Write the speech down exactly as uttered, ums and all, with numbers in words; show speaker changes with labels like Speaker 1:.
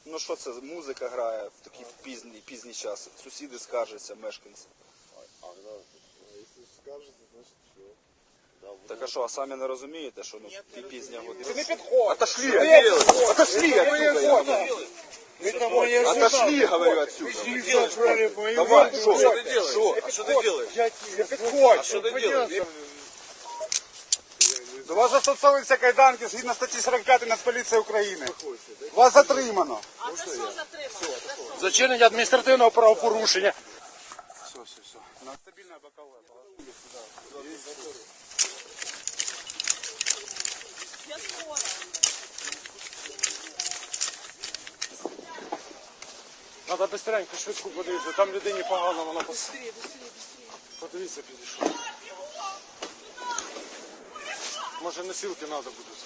Speaker 1: Ну що це, музика грає в такий пізній, пізній час. Сусіди скаржаться, мешканці.
Speaker 2: А, да. Если скажете, значит все.
Speaker 1: Так а що, а самі не розумієте, що ну, пі- пізня година?
Speaker 3: Не підходь.
Speaker 1: Отошли, отсюда, отошли отсюда. Отошли, говорю, отсюда. Давай, что?
Speaker 3: Что ты делаешь?
Speaker 1: Что?
Speaker 3: А что ты делаешь? Не підходь.
Speaker 1: А
Speaker 3: Что ты делаешь?
Speaker 4: До вас застосовуються кайданки згідно статті сорок п'ять Нацполіції України. Вас затримано.
Speaker 5: А за що затримали?
Speaker 3: За чинення адміністративного правопорушення.
Speaker 4: Все, все, все. На стабільне бокове.
Speaker 5: Я скоро.
Speaker 3: Треба быстренько, швидко подивитися. Там людині погано, вона пос... Подивіться, підійшов. Може носилки треба будуть.